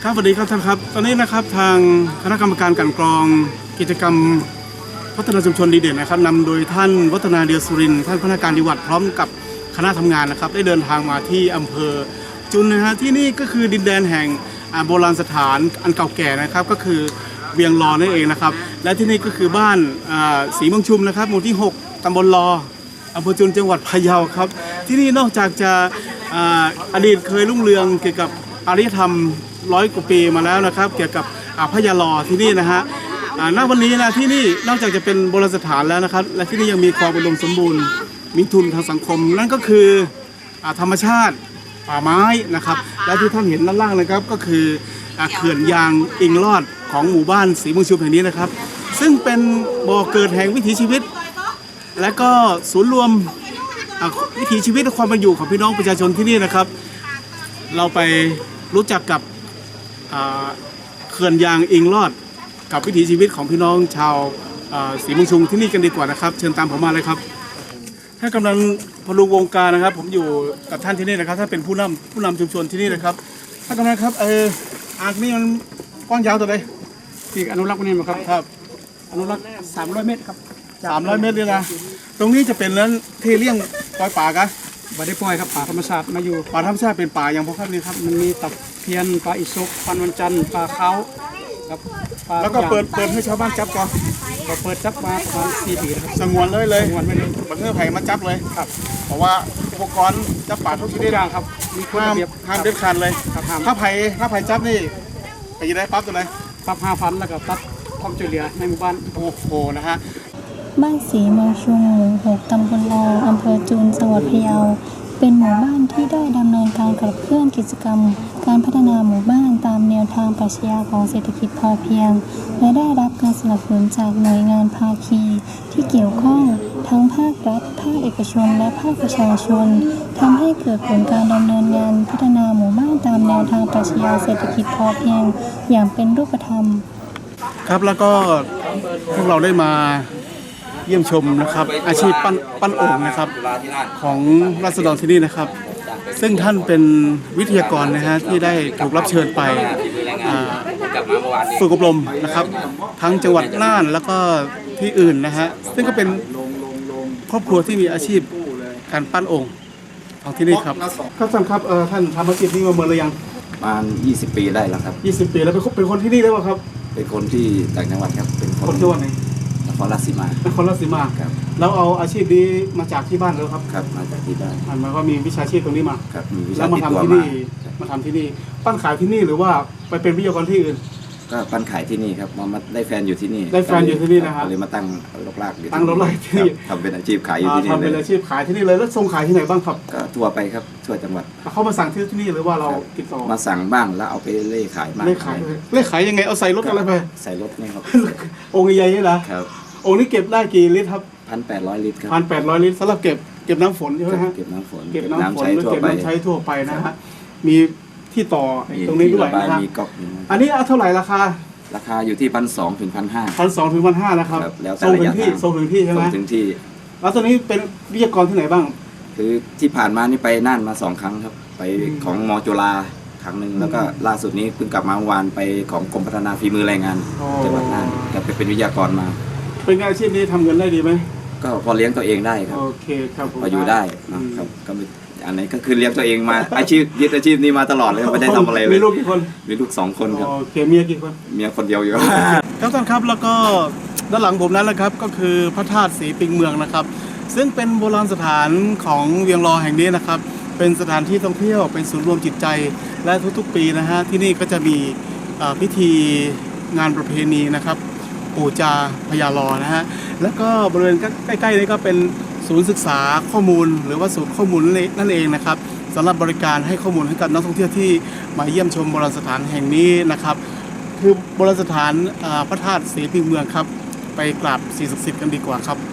ครับสวัสดีครับท่านครับตอนนี้นะครับทางคณะกรรมการกลั่นกรองกิจกรรมพัฒนาชุมชนดีเด่นนะครับนำโดยท่านวัฒนาเดียสุรินทร์ท่านพนักงานจังหวัดพร้อมกับคณะทำงานนะครับได้เดินทางมาที่อำเภอจุนนะฮะที่นี่ก็คือดินแดนแห่งโบราณสถานอันเก่าแก่นะครับก็คือเวียงลอนั่นเองนะครับและที่นี่ก็คือบ้านศรีเมืองชุมนะครับหมู่ที่ 6ตำบลลออำเภอจุนจังหวัดพะเยาครับที่นี่นอกจากจะอดีตเคยรุ่งเรืองเกี่ยวกับอารยธรรม100 กว่าปีมาแล้วนะครับเกี่ยวกับพญาลอที่นี่นะฮะณวันนี้นะที่นี่นอกจากจะเป็นโบราณสถานแล้วนะครับและที่นี่ยังมีความอุดมสมบูรณ์มีทุนทางสังคมนั่นก็คือธรรมชาติป่าไม้นะครับและที่ท่านเห็นด้านล่างนะครับก็คือเขื่อนยางอิงลอดของหมู่บ้านศรีเมืองชุมแห่งนี้นะครับซึ่งเป็นบ่อเกิดแห่งวิถีชีวิตและก็ศูนย์รวมวิถีชีวิตและความเป็นอยู่ของพี่น้องประชาชนที่นี่นะครับเราไปรู้จักกับเขื่อนยางอิงลอดกับวิถีชีวิตของพี่น้องชาวศรีเมืองชุมที่นี่กันดีกว่านะครับเชิญตามผมมาเลยครับท่านกำลังพลุงวงการนะครับผมอยู่กับท่านที่นี่นะครับท่านเป็นผู้นำชุมชนที่นี่นะครับท่านกำลังครับอ่างนี้มันกว้างยาวตัวใดที่อนุรักษ์นี่มั้งครับครับอนุรักษ์300 เมตรครับ 300 เมตรเลยนะตรงนี้จะเป็นนั้นที่เลี้ยงปล่อยป่ากันบ่ได้ปล่อยครับป่าธรรมชาติมาอยู่ป่าธรรมชาติเป็นป่าอย่างพวกครับนี่ครับมันมีตะเพียนปลาอิศกปลาวันจันทร์ปลาเขาครับแล้วก็เปิดให้ชาวบ้านจับก่อนก็เปิดจับมาประมาณ4 ปีครับสงวนเลยสงวนไม่เลยบังเอิญไผ่มาจับเลยครับเพราะว่าอุปกรณ์จับป่าทุกชนิดอย่างครับมีห้ามเด็ดขาดเลยถ้าไผ่จับนี่ไปยังได้ปั๊บตัวไหนปั๊บ5,000แล้วก็ตัดความช่วยเหลือในหมู่บ้านโอ้โหนะฮะบ้านศรีเมืองชุมหมู่ 6ตำบลลออำเภอจุนจังหวัดพะเยาเป็นหมู่บ้านที่ได้ดำเนินการขับเคลื่อนกิจกรรมการพัฒนาหมู่บ้านตามแนวทางปรัชญาของเศรษฐกิจพอเพียงและได้รับการสนับสนุนจากหน่วยงานภาคีที่เกี่ยวข้องทั้งภาครัฐภาคเอกชนและภาคประชาชนทำให้เกิดผลการดำเนินงานพัฒนาหมู่บ้านตามแนวทางปรัชญาเศรษฐกิจพอเพียงอย่างเป็นรูปธรรมครับแล้วก็พวกเราได้มาเยี่ยมชมนะครับอาชีพปั้นโอ่งนะครับของราษฎรที่นี่นะครับซึ่งท่านเป็นวิทยากรนะฮะที่ได้ถูกรับเชิญไปฝึกอบรมนะครับทั้งจังหวัดน่านแล้วก็ที่อื่นนะฮะซึ่งก็เป็นครอบครัวที่มีอาชีพการปั้นโอ่งของที่นี่ครับครับท่านครับท่านทำอาชีพนี้มาเมื่อไรยังประมาณ20 ปีได้แล้วครับ 20 ปีแล้วเป็นคนที่นี่ได้ป่ะครับเป็นคนที่ต่างจังหวัดครับเป็นคนจังหวัดไหนนครราชสีมานครราชสีมาครับแล้วเอาอาชีพนี้มาจากที่บ้านแล้วครับครับมาจากที่บ้านมันก็มีวิชาชีพตรงนี้มาครับมีวิชาแล้วมาทำที่นี่มาทำที่นี่ปั้นขายที่นี่หรือว่าไปเป็นวิทยากรที่อื่นก็ปั้นขายที่นี่ครับมาได้แฟนอยู่ที่นี่ได้แฟนอยู่ที่นี่นะครับเลยมาตั้งรกรากตั้งรกรากที่นี่ทำเป็นอาชีพขายอยู่ที่นี่ทำเป็นอาชีพขายที่นี่เลยแล้วส่งขายที่ไหนบ้างครับก็ทั่วไปครับทั่วจังหวัดเขามาสั่งที่นี่หรือว่าเราติดต่อมาสั่งบ้างแล้วเอาไปเล่ขายเล่ขายยังไงเอาใส่รถอะไรไปใส่รถนี่ครับองค์ใหญ่ๆนี่นะครับองค์นี้เก็บได้กี่ลิตรครับ 1,800 ลิตรครับ 1,800 ลิตรสำหรับเก็บน้ำฝนใช่ไหมฮะเก็บน้ำฝนเก็บน้ำใช้ทั่วไปนะฮะมีที่ต่อตรงนี้ด้วยนะครับอันนี้เท่าไหร่ราคาอยู่ที่1,200 ถึง 1,500 1,200 ถึง 1,500นะครับส่งถึงที่ใช่ไหมส่งถึงที่แล้วตอนนี้เป็นวิทยากรที่ไหนบ้างคือที่ผ่านมานี่ไปน่านมา2 ครั้งครับไปของม.จุฬาครั้งหนึ่งแล้วก็ล่าสุดนี้เพิ่งกลับมาเมื่อวานไปของกรมพัฒนาฝีมือแรงงานจังหวัดน่านจะไปเป็นวิทยากรมาเป็นอาชีพนี้ทำเงินได้ดีไหมก็พอเลี้ยงตัวเองได้ครับโอเคครับพออยู่ได้นะครับก็อันไหนก็คือเลี้ยงตัวเองมาอาชีพยึดอาชีพนี้มาตลอดเลยไม่ได้ทำอะไรเลยมีลูกกี่คนมีลูก2 คนครับโอเคเมียกี่คนเมียคนเดียวอยู่ครับท่านครับแล้วก็ด้านหลังผมนั้นนะครับก็คือพระธาตุศรีปิงเมืองนะครับซึ่งเป็นโบราณสถานของเวียงลอแห่งนี้นะครับเป็นสถานที่ท่องเที่ยวเป็นศูนย์รวมจิตใจและทุกๆปีนะฮะที่นี่ก็จะมีพิธีงานประเพณีนะครับปู่จาพญาลอนะฮะแล้วก็บริเวณใกล้ๆนี้ก็เป็นศูนย์ศึกษาข้อมูลหรือว่าศูนย์ข้อมูลนั่นเองนะครับสำหรับบริการให้ข้อมูลให้กับนักท่องเที่ยวที่มาเยี่ยมชมโบราณสถานแห่งนี้นะครับคือโบราณสถานพระธาตุศรีปิงเมืองครับไปกราบสิ่งศักดิ์สิทธิ์กันดีกว่าครับ